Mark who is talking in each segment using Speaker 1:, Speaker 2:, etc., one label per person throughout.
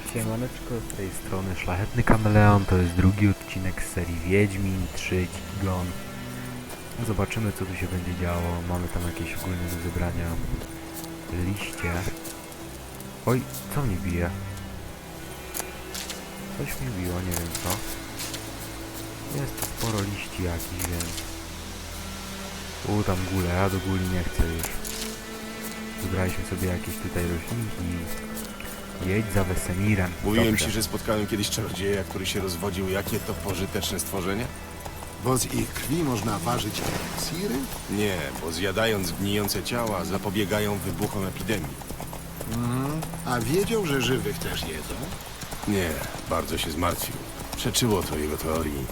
Speaker 1: Siemaneczko, z tej strony Szlachetny Kameleon, to jest drugi odcinek z serii Wiedźmin 3 Gon. Zobaczymy, co tu się będzie działo. Mamy tam jakieś ogólne do zebrania liście. Oj, co mnie bije? Coś mnie biło, nie wiem co. Jest tu sporo liści jakichś, więc... tam góle, ja do góli nie chcę już. Zebraliśmy sobie jakieś tutaj roślinki. Jedź za Wesemirem.
Speaker 2: Mówiłem ci, że spotkałem kiedyś czarodzieja, który się rozwodził. Jakie to pożyteczne stworzenie?
Speaker 3: Bo z ich krwi można ważyć eliksiry?
Speaker 2: Nie, bo zjadając gnijące ciała zapobiegają wybuchom epidemii.
Speaker 3: A wiedział, że żywych też jedzą?
Speaker 2: Nie, bardzo się zmartwił. Przeczyło to jego teorii.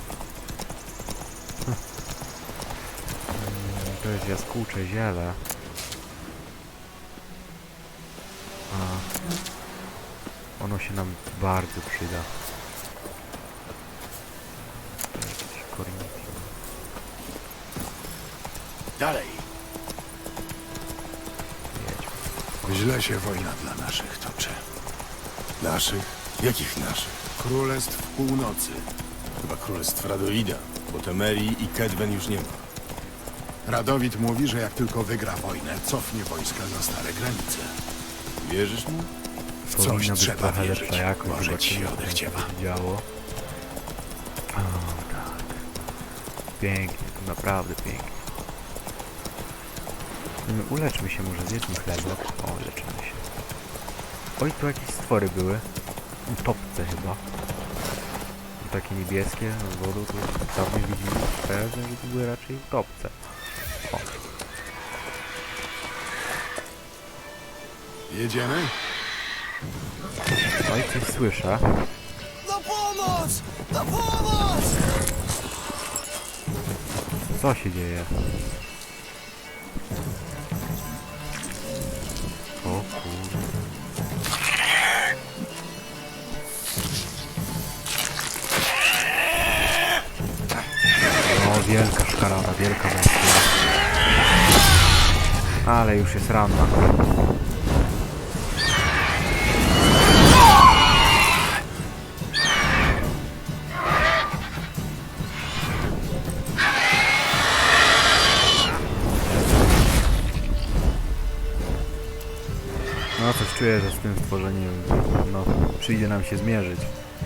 Speaker 1: To jest jaskółcze ziele. Ono się nam bardzo przyda. Jakieś korniki.
Speaker 2: Dalej!
Speaker 1: Jedźmy.
Speaker 3: Źle się wojna dla naszych toczy.
Speaker 2: Naszych? Jakich naszych?
Speaker 3: Królestw Północy.
Speaker 2: Chyba królestw Radoida, bo Temerii i Kedwen już nie ma.
Speaker 3: Radowid mówi, że jak tylko wygra wojnę, cofnie wojska za stare granice.
Speaker 2: Wierzysz mu?
Speaker 3: W coś
Speaker 1: Powinna być
Speaker 3: trzeba
Speaker 1: trochę
Speaker 3: wierzyć.
Speaker 1: lepsza jakość,
Speaker 3: Może ci
Speaker 1: zobaczymy,
Speaker 3: się
Speaker 1: co tam
Speaker 3: odechciewa.
Speaker 1: się działo. O tak. Pięknie, to naprawdę pięknie. Uleczmy się, może zjedzmy chlebek. O, leczymy się. Oj, tu jakieś stwory były. Utopce chyba. Takie niebieskie z wodą, to dawniej widzimy pewnie, że to były raczej utopce. O.
Speaker 3: Jedziemy?
Speaker 1: Oj, coś słyszę.
Speaker 4: Na pomoc! Na pomoc!
Speaker 1: Co się dzieje? O kurde. No, wielka szkarada, wielka bestia. Ale już jest ranna. No coś czuję, że z tym stworzeniem no, przyjdzie nam się zmierzyć.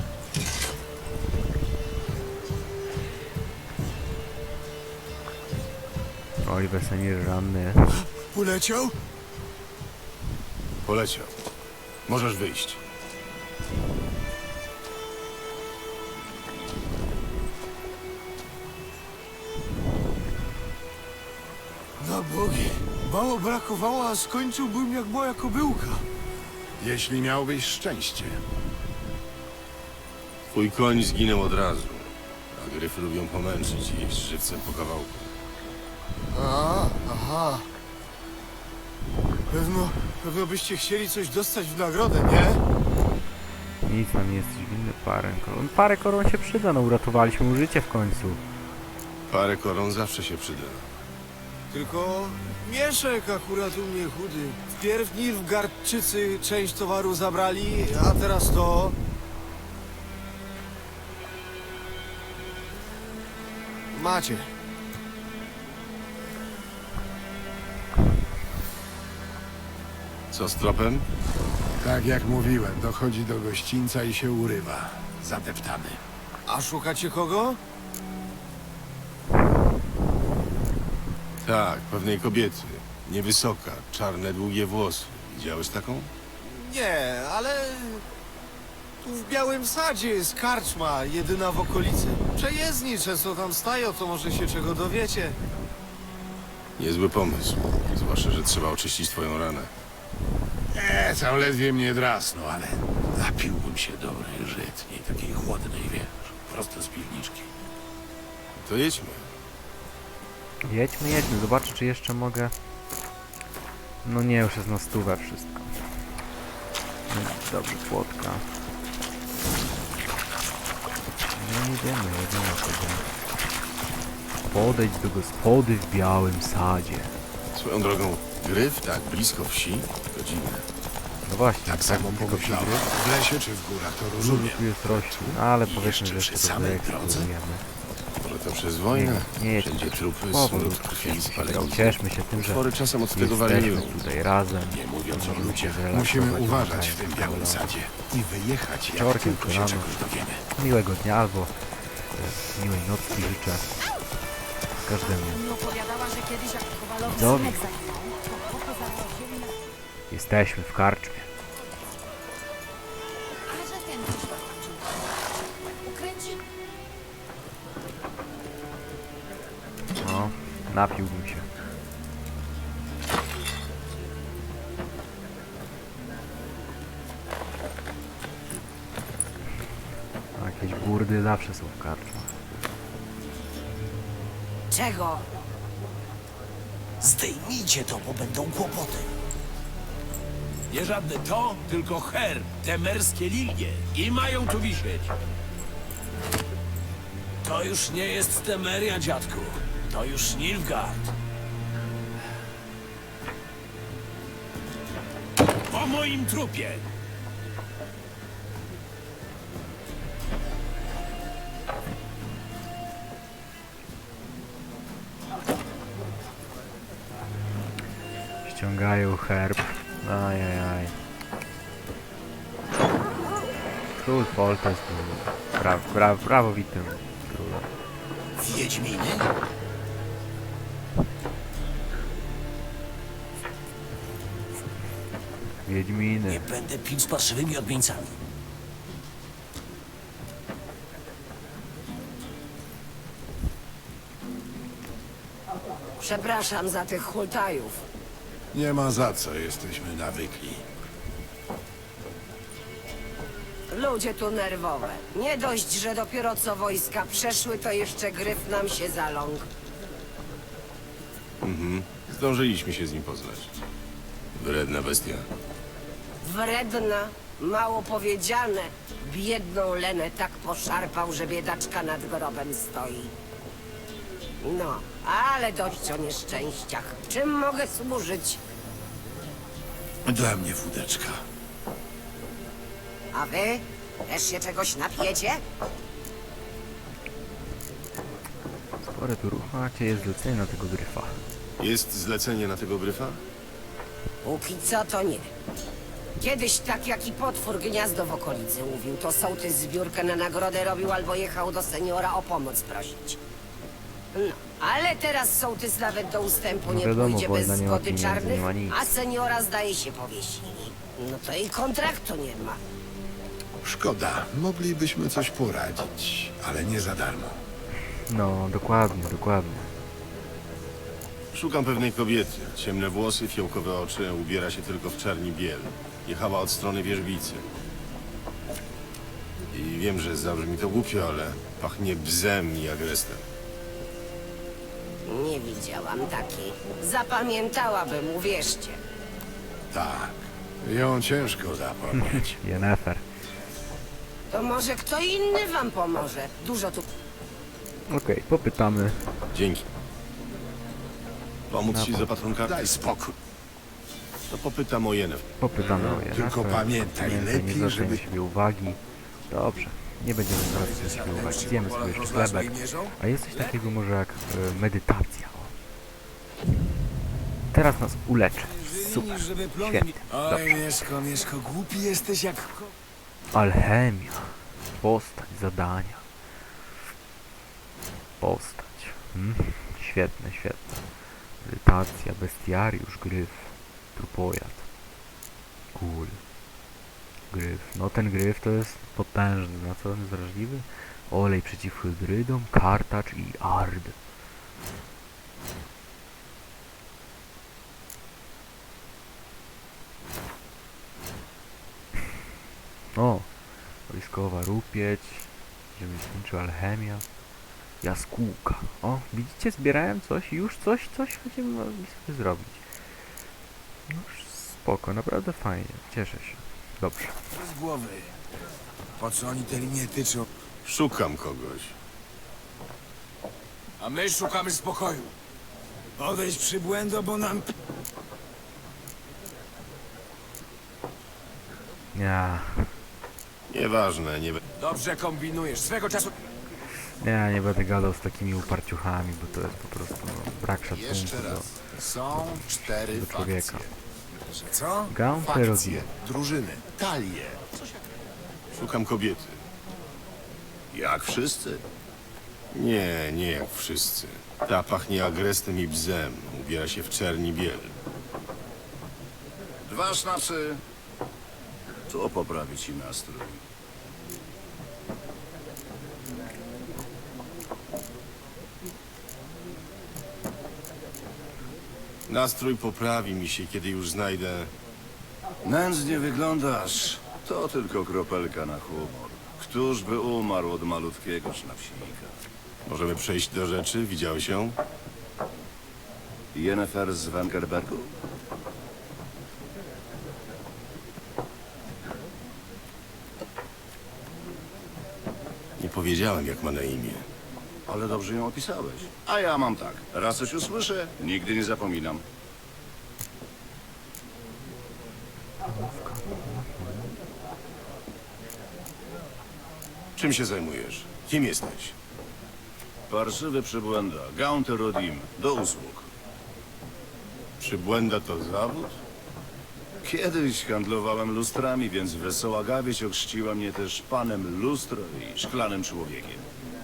Speaker 1: Oj, Wesemir ranny.
Speaker 3: Uleciał?
Speaker 2: Poleciał. Możesz wyjść.
Speaker 4: Na bogi! Mało brakowało, a skończyłbym jak moja kobyłka.
Speaker 3: Jeśli miałbyś szczęście.
Speaker 2: Twój koń zginął od razu. A gryfy lubią pomęczyć i jeść żywcem po kawałku.
Speaker 4: Aha. Pewno byście chcieli coś dostać w nagrodę, nie?
Speaker 1: Nic nam nie jesteś winny, parę koron. Parę koron się przyda, no uratowaliśmy mu życie w końcu.
Speaker 2: Parę koron zawsze się przyda.
Speaker 4: Tylko Mieszek akurat u mnie chudy. Wpierw Nilfgaardczycy część towaru zabrali, a teraz to... Macie.
Speaker 2: Co z tropem?
Speaker 3: Tak jak mówiłem, dochodzi do gościńca i się urywa. Zadeptany.
Speaker 4: A szukacie kogo?
Speaker 2: Tak, pewnej kobiety. Niewysoka, czarne, długie włosy. Widziałeś taką?
Speaker 4: Nie, ale... Tu w Białym Sadzie jest karczma, jedyna w okolicy. Przejezdni często tam stają, to może się czego dowiecie.
Speaker 2: Niezły pomysł. Zwłaszcza, że trzeba oczyścić twoją ranę.
Speaker 3: Tam ledwie mnie drasnął, ale napiłbym się dobrej żytniej, takiej chłodnej, wiesz, prosto z piwniczki.
Speaker 2: To jedźmy.
Speaker 1: Jedźmy, zobaczę czy jeszcze mogę... No nie, już jest na stówę wszystko. No, dobrze, płotka. No jedziemy sobie. Podejdź do gospody w Białym Sadzie.
Speaker 2: Swoją drogą, gryf tak blisko wsi? To dziwne.
Speaker 1: No właśnie,
Speaker 3: Tak samo
Speaker 1: tylko
Speaker 3: pomyślałem. W lesie czy w górach, to
Speaker 1: Dużo
Speaker 3: rozumiem.
Speaker 1: tu jest roślin, no, ale powiedzmy,
Speaker 3: Jeszcze
Speaker 1: że
Speaker 3: przy
Speaker 1: jeszcze to
Speaker 3: samej drodze?
Speaker 1: wyeksplorujemy.
Speaker 2: Może to przez wojnę?
Speaker 1: Nie jest
Speaker 2: Wszędzie trupy,
Speaker 1: powód,
Speaker 2: smród krwi i spalenia.
Speaker 1: cieszmy się tym, że
Speaker 2: Potwory czasem od tego
Speaker 1: jesteśmy
Speaker 2: wariują.
Speaker 1: tutaj razem.
Speaker 3: Nie mówiąc o
Speaker 1: Możemy
Speaker 3: ludzie.
Speaker 1: się zrelaksować,
Speaker 3: Musimy uważać w
Speaker 1: oglądając
Speaker 3: tym białym
Speaker 1: Kameleon.
Speaker 3: sadzie i wyjechać, jak
Speaker 1: Wieczorkiem
Speaker 3: tylko
Speaker 1: czy
Speaker 3: się
Speaker 1: rano.
Speaker 3: czegoś dowiemy.
Speaker 1: Miłego dnia albo miłej nocki życzę każdemu.
Speaker 5: Mi opowiadała, że kiedyś jak Kowalowi
Speaker 1: Dobry.
Speaker 5: synek zaginął, to chłopy zaprosili na...
Speaker 1: Jesteśmy w karczmie.
Speaker 5: A że ten coś zobaczył. Ukręci...
Speaker 1: No, napiłbym się. A jakieś burdy zawsze są w karczmach.
Speaker 5: Czego?
Speaker 6: Zdejmijcie to, bo będą kłopoty.
Speaker 7: Nie żadne to, tylko her, te merskie lilie. I mają tu wisieć. To już nie jest Temeria, dziadku. To już Nilfgaard. Po moim trupie.
Speaker 1: Ściągają herb. Ajajaj. Król Folta jest prawowitym królem.
Speaker 6: Wiedźminy?
Speaker 1: Wiedźminy.
Speaker 6: Nie będę pił z parszywymi odmieńcami.
Speaker 5: Przepraszam za tych hultajów.
Speaker 3: Nie ma za co, jesteśmy nawykli.
Speaker 5: Ludzie tu nerwowe. Nie dość, że dopiero co wojska przeszły, to jeszcze gryf nam się zaląkł.
Speaker 2: Zdążyliśmy się z nim poznać. Wredna bestia.
Speaker 5: Wredna, mało powiedziane. Biedną Lenę tak poszarpał, że biedaczka nad grobem stoi. No, ale dość o nieszczęściach. Czym mogę służyć?
Speaker 3: Dla mnie wódeczka.
Speaker 5: A wy? Też się czegoś napijecie?
Speaker 1: Spore tu ruch macie, jest zlecenie na tego gryfa.
Speaker 2: Jest zlecenie na tego gryfa?
Speaker 5: Póki co to nie. Kiedyś tak jaki potwór gniazdo w okolicy mówił, to sołtys zbiórkę na nagrodę robił albo jechał do seniora o pomoc prosić. No, ale teraz sołtys nawet do ustępu
Speaker 1: No
Speaker 5: nie
Speaker 1: wiadomo,
Speaker 5: pójdzie
Speaker 1: wojna
Speaker 5: bez
Speaker 1: nie ma
Speaker 5: zgody
Speaker 1: pieniędzy,
Speaker 5: czarnych,
Speaker 1: nie ma nic.
Speaker 5: a seniora zdaje się powiesili. No to i kontraktu nie ma.
Speaker 3: Szkoda, moglibyśmy coś poradzić, ale nie za darmo.
Speaker 1: No, dokładnie, dokładnie.
Speaker 2: Szukam pewnej kobiety. Ciemne włosy, fiołkowe oczy, ubiera się tylko w czarni biel. Jechała od strony wierzbicy. I wiem, że zabrzmi to głupio, ale pachnie bzem i agrestem.
Speaker 5: Nie widziałam takiej. Zapamiętałabym, uwierzcie.
Speaker 3: Tak, ją ciężko zapomnieć.
Speaker 1: Yennefer.
Speaker 5: To może kto inny wam pomoże. Dużo tu...
Speaker 1: Okej, popytamy.
Speaker 2: Dzięki. Pomóc ci z opatrunkami?
Speaker 3: Daj spokój.
Speaker 2: To popytam o Yennefer.
Speaker 1: Popytamy o Yennefer.
Speaker 3: Tylko pamiętaj, lepiej,
Speaker 1: nie zwracaj
Speaker 3: żeby-
Speaker 1: na siebie uwagi. Dobrze, nie będziemy zwracać na siebie uwagi. Zjemy sobie jeszcze chlebek. A jest coś takiego może jak medytacja. O. Teraz nas uleczy. Super, świetnie. Dobrze.
Speaker 7: Mieszko, głupi jesteś jak...
Speaker 1: Alchemia. Postać, zadania. Postać. Świetne, świetne. Medytacja, bestiariusz, gryf, trupojad. Cool. Gryf. No ten gryf to jest potężny. Na co on jest wrażliwy? Olej przeciw hybrydom, kartacz i ard. O! Wojskowa rupieć. Rzemieślnicza alchemia. Jaskółka. O, widzicie, zbierałem coś i już coś będziemy mogli sobie zrobić. No spoko, naprawdę fajnie. Cieszę się. Dobrze.
Speaker 7: Z głowy. Po co oni te linie tyczą?
Speaker 2: Szukam kogoś.
Speaker 7: A my szukamy spokoju. Odejdź przybłędo, bo nam...
Speaker 1: Ja,
Speaker 2: Nieważne, nie...
Speaker 7: Dobrze kombinujesz. Swego czasu...
Speaker 1: nie będę gadał z takimi uparciuchami, bo to jest po prostu brak szacunku
Speaker 3: Jeszcze
Speaker 1: do,
Speaker 3: raz. Są 4
Speaker 1: do człowieka.
Speaker 3: fakcje. Że co?
Speaker 1: Gaunter
Speaker 3: Fakcje, drużyny, talie.
Speaker 2: Szukam kobiety.
Speaker 8: Jak wszyscy?
Speaker 2: Nie jak wszyscy. Ta pachnie agrestem i bzem. Ubiera się w czerni biel.
Speaker 8: 2 sznapsy. To poprawi ci nastrój.
Speaker 2: Nastrój poprawi mi się, kiedy już znajdę...
Speaker 8: Nędznie wyglądasz. To tylko kropelka na humor. Któż by umarł od malutkiego sznapsika?
Speaker 2: Możemy przejść do rzeczy? Widziałeś ją?
Speaker 8: Yennefer z Wengerbergu?
Speaker 2: Nie powiedziałem, jak ma na imię.
Speaker 8: Ale dobrze ją opisałeś. A ja mam tak. Raz coś usłyszę, nigdy nie zapominam.
Speaker 2: Czym się zajmujesz? Kim jesteś?
Speaker 8: Parszywy przybłęda. Gaunter Rodim. Do usług.
Speaker 2: Przybłęda to zawód?
Speaker 8: Kiedyś handlowałem lustrami, więc wesoła gawieć ochrzciła mnie też panem lustro i szklanym człowiekiem.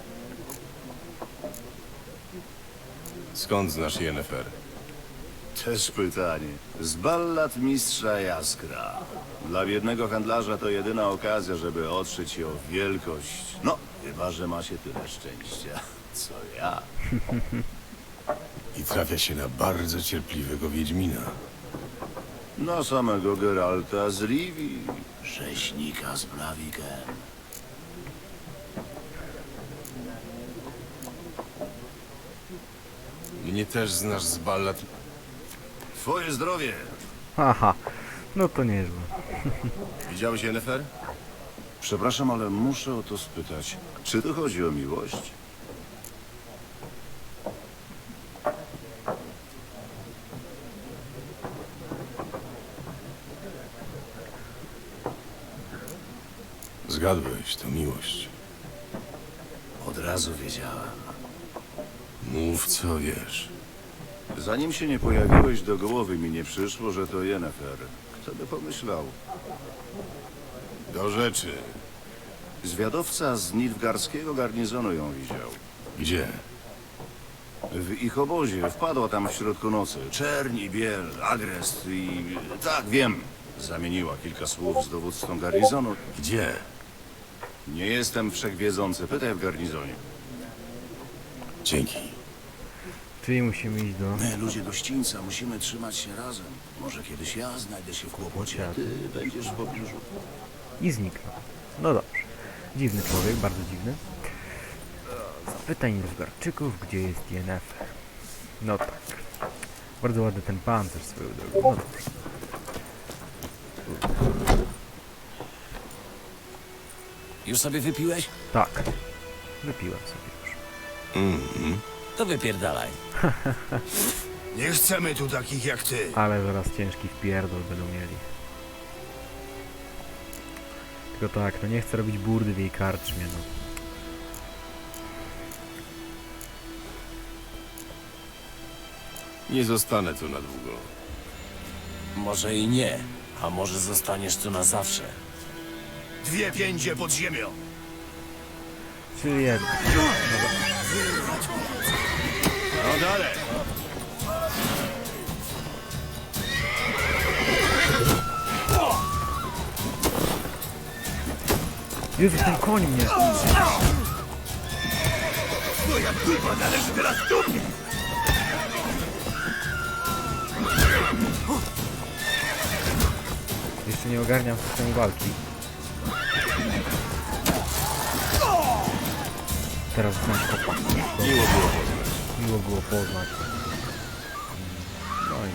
Speaker 2: Skąd znasz Yennefer?
Speaker 8: Też pytanie. Z ballad mistrza Jaskra. Dla biednego handlarza to jedyna okazja, żeby otrzeć się o wielkość. No, chyba że ma się tyle szczęścia, co ja.
Speaker 2: I trafia się na bardzo cierpliwego Wiedźmina.
Speaker 8: Na samego Geralta z Rivii, rzeźnika z Blaviken.
Speaker 2: Mnie też znasz z ballad...
Speaker 8: Twoje zdrowie!
Speaker 1: Haha, no to nieźle.
Speaker 2: Widziałeś Yennefer?
Speaker 8: Przepraszam, ale muszę o to spytać. Czy tu chodzi o miłość?
Speaker 2: Zgadłeś, to miłość.
Speaker 8: Od razu wiedziałem.
Speaker 2: Mów, co wiesz.
Speaker 8: Zanim się nie pojawiłeś, do głowy mi nie przyszło, że to Yennefer. Kto by pomyślał?
Speaker 2: Do rzeczy.
Speaker 8: Zwiadowca z Nilfgaardzkiego garnizonu ją widział.
Speaker 2: Gdzie?
Speaker 8: W ich obozie wpadła tam w środku nocy. Czerń i biel, agrest i... Tak, wiem. Zamieniła kilka słów z dowódcą garnizonu.
Speaker 2: Gdzie?
Speaker 8: Nie jestem wszechwiedzący. Pytaj w garnizonie.
Speaker 2: Dzięki.
Speaker 1: Czyli musimy iść do...
Speaker 8: My, ludzie gościńca, musimy trzymać się razem. Może kiedyś ja znajdę się w kłopocie, a ty będziesz w pobliżu.
Speaker 1: I zniknął. No dobrze. Dziwny człowiek, bardzo dziwny. Zapytaj Nilfgaardczyków, gdzie jest Yennefer. No tak. Bardzo ładny ten pancerz swoją drogą. No dobrze.
Speaker 6: Już sobie wypiłeś?
Speaker 1: Tak. Wypiłem sobie już.
Speaker 6: To wypierdalaj.
Speaker 3: Nie chcemy tu takich jak ty.
Speaker 1: Ale zaraz ciężki wpierdol będą mieli. Tylko tak, no nie chcę robić burdy w jej karczmie, no.
Speaker 2: Nie zostanę tu na długo.
Speaker 6: Może i nie, a może zostaniesz tu na zawsze.
Speaker 3: 2 piędzie pod ziemią.
Speaker 1: Czyli jedno.
Speaker 3: No dalej.
Speaker 1: Jezu, ten koń mnie!
Speaker 3: Twoja kurwa należy teraz do mnie.
Speaker 1: Jeszcze nie ogarniam systemu walki. Teraz znam kopa.
Speaker 2: Miło było poznać.
Speaker 1: Miło było poznać. No i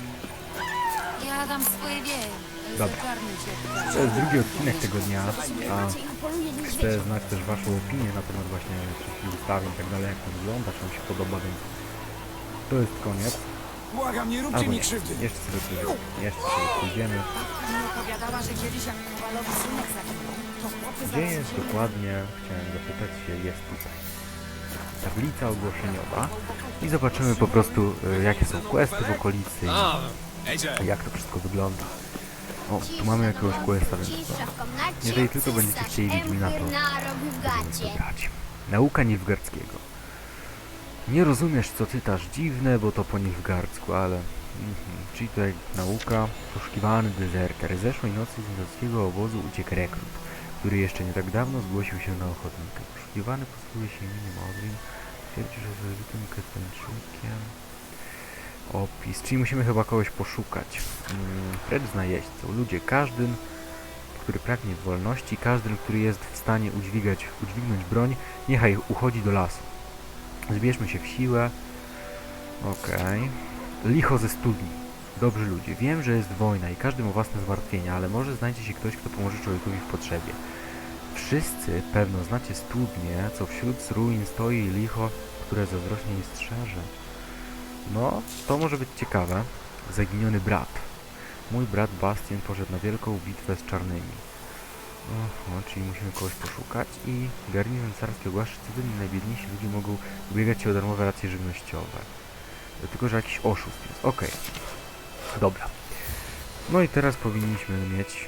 Speaker 9: Ja dam swoje wieje.
Speaker 1: Dobra. to jest drugi odcinek tego dnia, a chcę znać też waszą opinię na temat właśnie wszystkich ustawień i tak dalej, jak to wygląda, czy wam się podoba, więc to jest koniec.
Speaker 7: Błagam, nie róbcie
Speaker 1: Albo
Speaker 7: mi
Speaker 1: nie.
Speaker 7: krzywdy.
Speaker 1: Jeszcze sobie pójdziemy.
Speaker 5: Mi opowiadała, że kiedyś jak Kowalowi synek zaginął, to chłopy
Speaker 1: Gdzie jest dokładnie, chciałem zapytać się, jest tutaj. Tablica ogłoszeniowa. I zobaczymy po prostu, jakie są questy w okolicy i jak to wszystko wygląda. O, tu mamy jakiegoś questa, więc jeżeli tylko będziecie chcieli Wiedźmina, to będziemy to grać. Nauka Nilfgaardzkiego. Nie rozumiesz, co czytasz, dziwne, bo to po nilfgaardzku, ale... Czyli tutaj nauka. Poszukiwany dezerter. Zeszłej nocy z inowskiego obozu uciekł rekrut, który jeszcze nie tak dawno zgłosił się na ochotnika. Poszukiwany posługuje się imieniem Odwin. Twierdzi, że z elitym Ketańczykiem. Opis. Czyli musimy chyba kogoś poszukać. Precz z najeźdźcą. Ludzie, każdym, który pragnie wolności, każdym, który jest w stanie udźwignąć broń, niechaj uchodzi do lasu. Zbierzmy się w siłę. Okej. Licho ze studni. Dobrzy ludzie. Wiem, że jest wojna i każdy ma własne zmartwienia, ale może znajdzie się ktoś, kto pomoże człowiekowi w potrzebie. Wszyscy pewno znacie studnię, co wśród z ruin stoi licho, które zazdrośnie jej strzeże. No, to może być ciekawe. Zaginiony brat. Mój brat Bastian poszedł na wielką bitwę z czarnymi. Oho, czyli musimy kogoś poszukać i garnizon carski ogłasza, że codziennie najbiedniejsi ludzie mogą ubiegać się o darmowe racje żywnościowe. Tylko, że jakiś oszust jest. Okej. Dobra. No i teraz powinniśmy mieć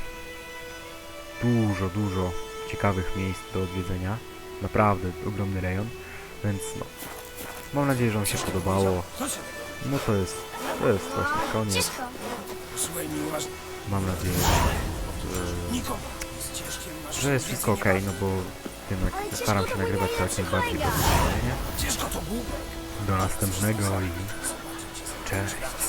Speaker 1: dużo ciekawych miejsc do odwiedzenia. Naprawdę ogromny rejon. Więc no. Mam nadzieję, że wam się podobało. No to jest właśnie koniec.
Speaker 7: Słuchaj mi uważnie.
Speaker 1: Mam nadzieję, że jest wszystko ok, no bo wiem, jak staram się nagrywać to jak najbardziej profesjonalnie.
Speaker 7: Ciężko to było.
Speaker 1: Do następnego i cześć.